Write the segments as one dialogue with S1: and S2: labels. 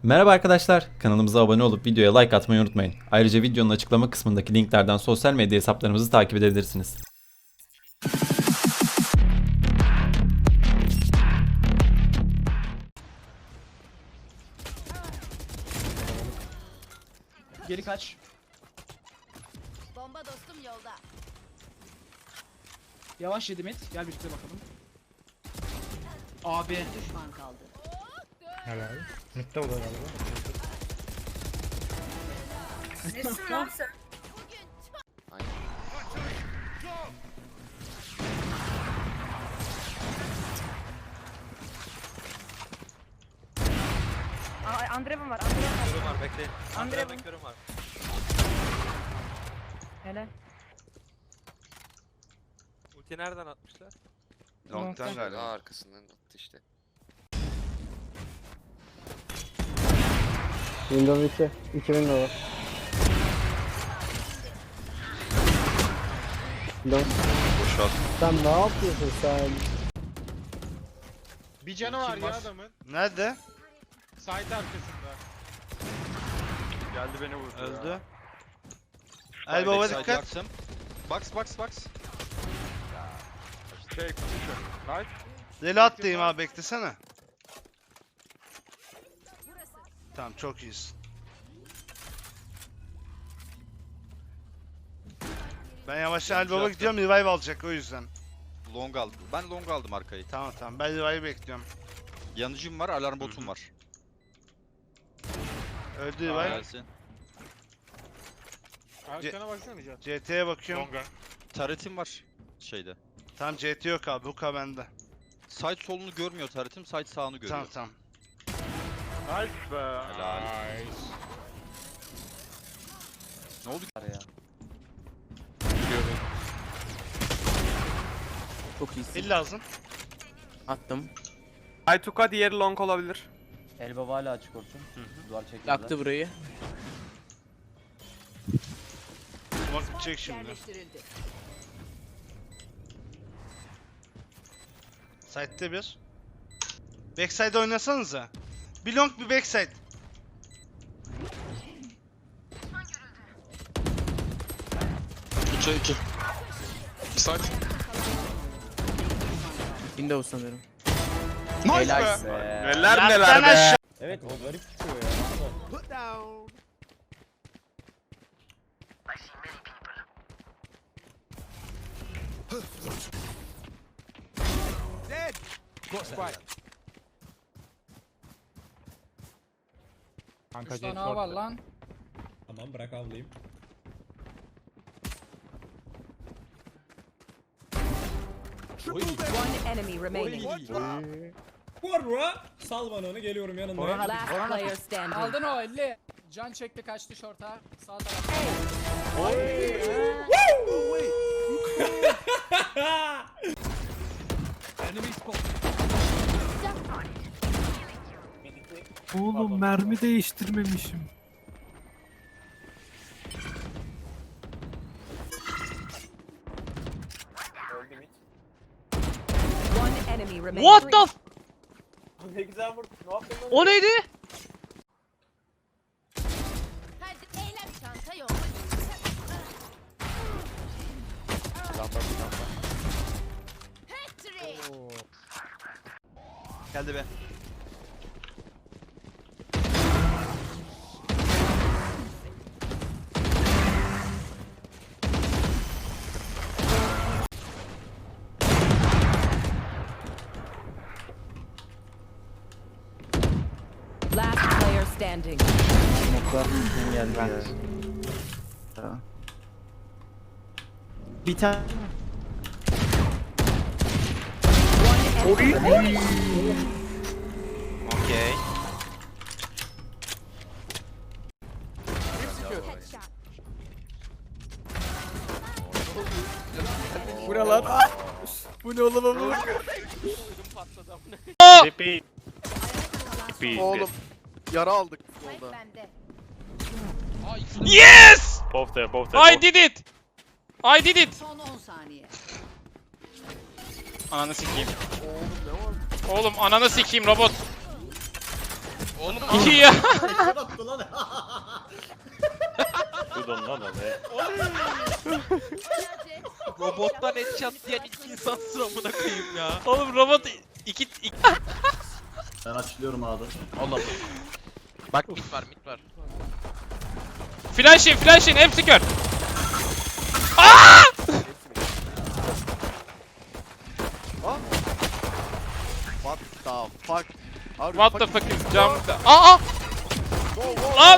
S1: Merhaba arkadaşlar, kanalımıza abone olup videoya like atmayı unutmayın. Ayrıca videonun açıklama kısmındaki linklerden sosyal medya hesaplarımızı takip edebilirsiniz.
S2: Geri kaç.
S3: Bomba dostum yolda.
S2: Yavaş yedi mid. Gel birlikte bakalım. Abi.
S3: Düşman kaldı.
S4: Helal. Mitte o da galiba.
S3: Nesin lan sen?
S5: Andrev'im var, Andrev'im var.
S6: Körüm var bekleyin.
S5: Andrev'im.
S6: Andrev'im körüm var.
S5: Hele.
S6: Ulti nereden atmışlar?
S5: Long'tan
S7: galiba. Arkasından attı işte.
S8: Windows 2. 2 Windows var. Windows.
S7: Boşalt.
S8: Sen ne yapıyorsun sen?
S4: Bir canı var ya adamın.
S7: Nerede?
S4: Side arkasında.
S6: Geldi beni vurdu.
S7: Öldü. El baba dikkat.
S6: Box. Şey position. Right.
S7: Deli attayım abi beklesene. Tamam çok iyisin. Ben yavaştan El baba gidiyorum, revive alacak o yüzden.
S9: Long aldım. Ben long aldım arkayı.
S7: Tamam ben revive bekliyorum.
S9: Yanıcım var, alarm botum var.
S7: Öldü revive.
S9: Gelsin.
S4: Arkana baksana Can.
S7: CT'ye bakıyorum.
S4: Longa.
S9: Taretim var şeyde.
S7: Tamam CT yok abi, Huka bende.
S9: Side solunu görmüyor taretim, side sağını görüyor.
S7: Tamam.
S4: Nice be.
S9: Helal.
S4: Nice.
S9: Ne oldu ya?
S2: Çok iyisin.
S7: Hill lazım.
S2: Attım.
S6: Aytuka diğeri long olabilir.
S10: Elbaba hala açık olsun. Duvar çekildi.
S2: Yaktı burayı.
S7: Bak bitecek şimdi.
S3: Yerleştirildi.
S7: Side'de bir. Backside oynasanıza. Bir long bir backside.
S2: Windows sanıyorum.
S6: Nice
S2: Helal.
S6: Neler
S7: Lan
S6: neler
S7: sen
S6: be.
S7: aşağı-
S10: Evet o garip çıkıyor ya.
S4: Kanka
S2: Üç tane A var lan.
S4: Tamam bırak avlayayım.
S3: One enemy remaining.
S4: Vurra! Sal bana onu, geliyorum yanındayım.
S3: Last player standing.
S2: Aldın o 50. Can çekti kaçtı şorta. Sağ taraf.
S8: Oğlum mermi değiştirmemişim.
S3: One enemy remaining.
S10: What the f-
S6: Ne güzel vurdu. Ne yaptın lan?
S10: O neydi?
S3: Hadi eylem çanta yok. Hattrick.
S9: Geldi be.
S3: Last player standing.
S2: Bir tane.
S3: One enemy remaining.
S9: Okey.
S3: Headshot.
S2: Bu ne lan? Bu ne oğlum bu?
S6: Oğlum.
S2: Yara aldık
S3: Spike bende.
S10: Yes!
S6: Both there.
S10: I did it! I did it!
S3: Son 10 saniye.
S10: Ananı sikeyim. Oğlum ananı sikeyim robot. Oğlum 2 ya.
S9: Robottan headshot diyen ilk insan sıramına koyayım ya.
S10: Oğlum robot 2
S11: Ben açılıyorum abi.
S9: Allah. Bak mit var.
S10: Flash'in hepsi kör.
S9: What the fuck?
S10: What the fuck is jump? Aa! Lan!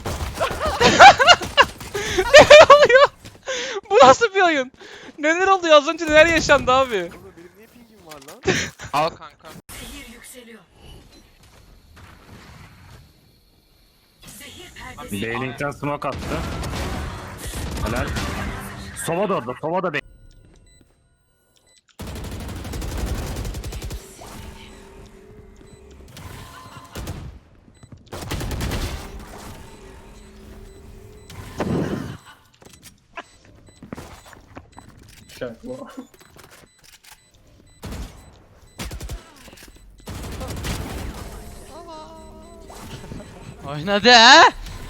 S10: Neler oluyor? Bu nasıl bir oyun? Neler oluyor? Az önce neler yaşandı abi?
S9: Al kanka.
S8: Beyling'den smoke attı. Helal. Sova da orada. Sova da
S10: Oynadı ha?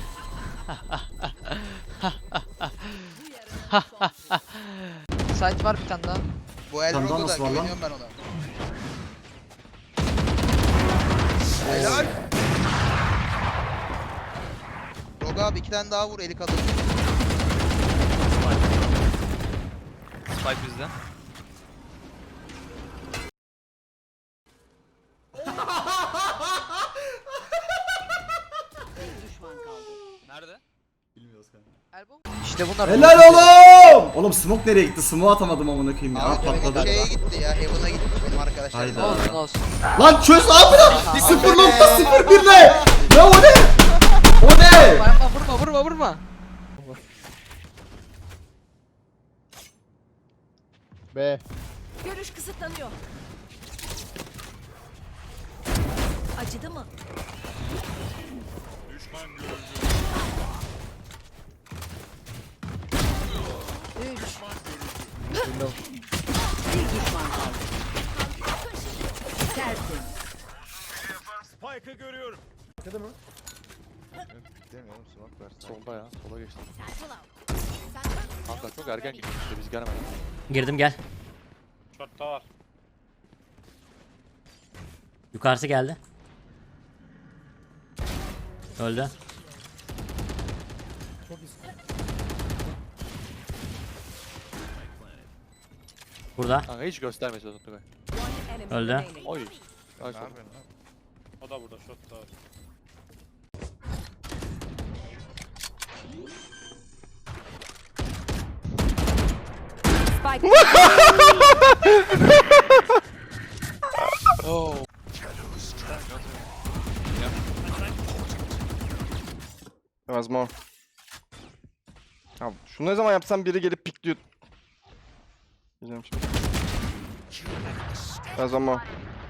S2: Site var bir tane daha.
S11: Bu Elrogo da güveniyorum
S6: ben ona.
S11: Helal. Rogo abi 2 tane daha vur eli kalır.
S9: Spike bizde.
S3: Bir düşman kaldı.
S9: Nerede?
S11: Bilmiyoruz kanka.
S2: İşte bunlar.
S11: Helal oğlum! Oğlum smoke nereye gitti? Smoke atamadım amına koyayım ya.
S6: Abi
S11: Patladı.
S6: şeye gitti ya. Heaven'a gitti benim arkadaşlar.
S11: Hayda.
S2: Olsun olsun.
S11: Lan çöz abi lan! 0.01 ne? Ne o ne? O ne?
S2: Vurma.
S8: B.
S3: Görüş kısıtlanıyor. Acıdı mı? Bir düşman kaldı. Tersin.
S9: Solda ya. Sola geçti.
S3: Satchel out.
S9: Kanka çok erken gidiyor işte biz gelmedik.
S10: Girdim gel.
S6: Short'ta var.
S10: Yukarısı geldi. Öldü. Burada.
S9: Kanka hiç gösterme sözünü Tugay.
S10: Öldü.
S9: Oy.
S6: O da burada short'ta var.
S3: Spike.
S6: Biraz more. Abi şunu ne zaman yapsam biri gelip pikliyor. Bilmiyorum şimdi. Biraz more.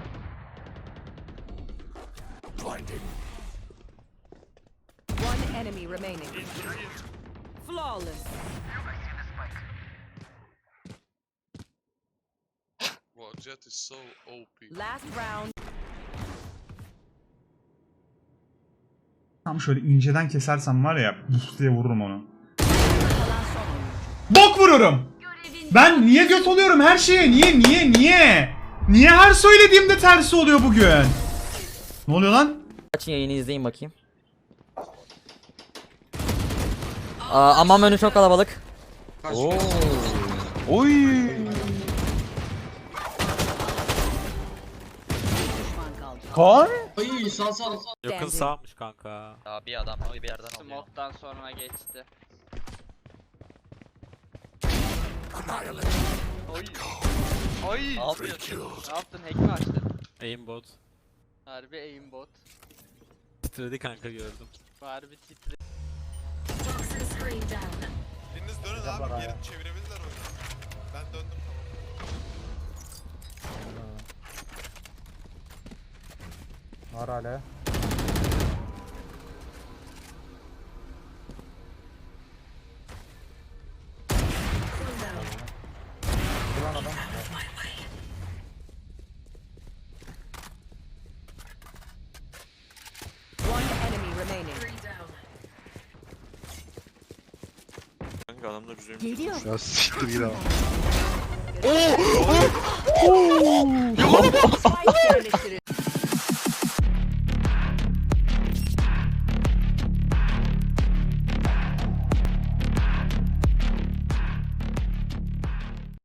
S3: One enemy remaining. Flawless. Last round.
S4: Tam şöyle inceden kesersem var ya, buf diye vururum onu.
S3: Kalan son oyuncu.
S4: Bok vururum. Ben niye göt oluyorum her şeye? Niye? Niye her söylediğimde tersi oluyor bugün? Ne oluyor lan?
S10: Açın yayını izleyin bakayım. Aman önü çok kalabalık.
S9: Oy.
S3: Düşman kaldı.
S10: Yakın sağmış kanka.
S9: Ya bir adam bir yerden alıyor.
S2: Smoke'dan sonra geçti.
S9: Oy. Ne yapıyorsun?
S2: Ne yaptın? Hack mi açtın?
S10: Aimbot.
S2: Harbi aimbot.
S10: Titredi kanka gördüm.
S2: Harbi titre.
S6: Biriniz dönün abi. Geri çevirebilirler oyunu. Ben döndüm
S8: Var hala.
S3: remaining.
S9: Kanka adamlar üzerime.
S3: Geliyor.
S6: Ya siktir git abi.
S3: Spike yerleştirildi.